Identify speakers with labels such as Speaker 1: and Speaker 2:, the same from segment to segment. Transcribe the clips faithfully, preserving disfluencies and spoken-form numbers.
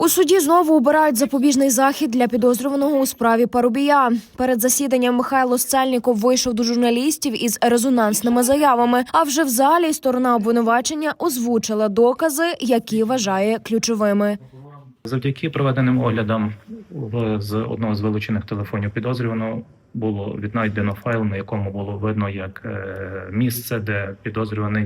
Speaker 1: У суді знову обирають запобіжний захід для підозрюваного у справі Парубія. Перед засіданням Михайло Сцельніков вийшов до журналістів із резонансними заявами, а вже в залі сторона обвинувачення озвучила докази, які вважає ключовими.
Speaker 2: Завдяки проведеним оглядам з одного з вилучених телефонів підозрюваного було віднайдено файл, на якому було видно як місце, де підозрюваний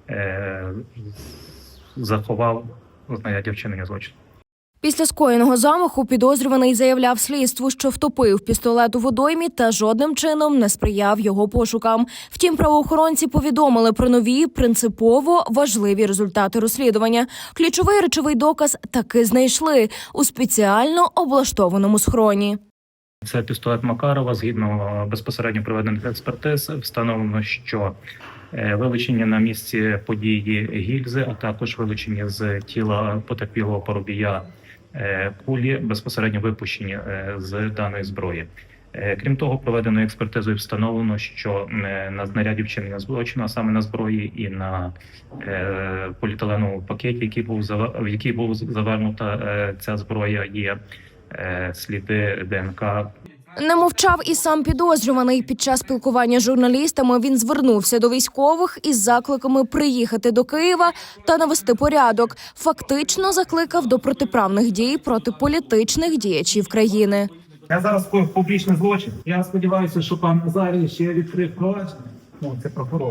Speaker 2: заховав знаряддя вчинення злочину.
Speaker 1: Після скоєного замаху підозрюваний заявляв слідству, що втопив пістолет у водоймі та жодним чином не сприяв його пошукам. Втім, правоохоронці повідомили про нові, принципово важливі результати розслідування. Ключовий речовий доказ таки знайшли у спеціально облаштованому схроні.
Speaker 2: Це пістолет Макарова. Згідно безпосередньо проведених експертиз, встановлено, що вилучені на місці події гільзи, а також вилучені з тіла потерпілого Парубія кулі, безпосередньо випущені з даної зброї. Крім того, проведеною експертизою встановлено, що на знаряді вчинення злочину, а саме на зброї і на поліетиленовому пакеті, який був в який був завернута ця зброя, є сліди ДНК.
Speaker 1: Не мовчав і сам підозрюваний. Під час спілкування з журналістами він звернувся до військових із закликами приїхати до Києва та навести порядок. Фактично закликав до протиправних дій проти політичних діячів країни.
Speaker 3: Я зараз скоїв публічний злочин. Я сподіваюся, що пан Назарій ще відкрив провадження. Ну, це прокурор.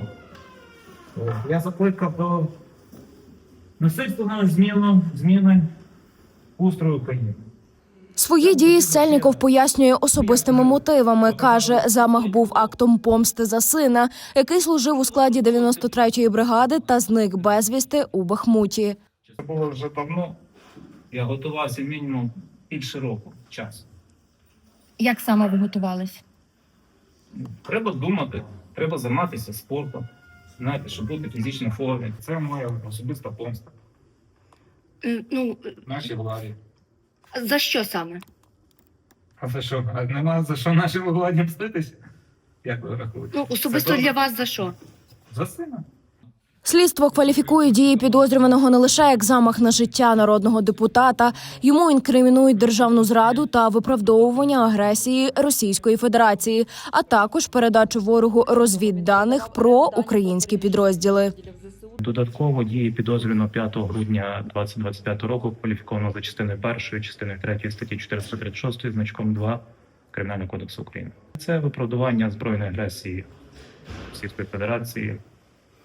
Speaker 3: Я закликав до насильственної зміни, зміни устрою України.
Speaker 1: Свої дії Сцельніков пояснює особистими мотивами. Каже, замах був актом помсти за сина, який служив у складі дев'яносто третьої бригади та зник безвісти у Бахмуті.
Speaker 3: Це було вже давно. Я готувався мінімум більше року часу.
Speaker 4: Як саме ви готувались?
Speaker 3: Треба думати, треба займатися спортом, знаєте, щоб бути в фізичній формі. Це моя особиста помста.
Speaker 4: Е, Ну,
Speaker 3: Нашій владі.
Speaker 4: за що саме?
Speaker 3: А за що? А нема за що нашій владі мститися? Як ви рахуєте?
Speaker 4: Ну, особисто
Speaker 3: Це
Speaker 4: для вас за що?
Speaker 3: За сина.
Speaker 1: Слідство кваліфікує дії підозрюваного не лише як замах на життя народного депутата. Йому інкримінують державну зраду та виправдовування агресії Російської Федерації, а також передачу ворогу розвідданих про українські підрозділи.
Speaker 2: Додатково дії підозрюваного п'ятого грудня дві тисячі двадцять п'ятого року кваліфіковано за частиною першої, частиною третьої статті чотириста тридцять шість значком два Кримінального кодексу України. Це виправдування збройної агресії Російської Федерації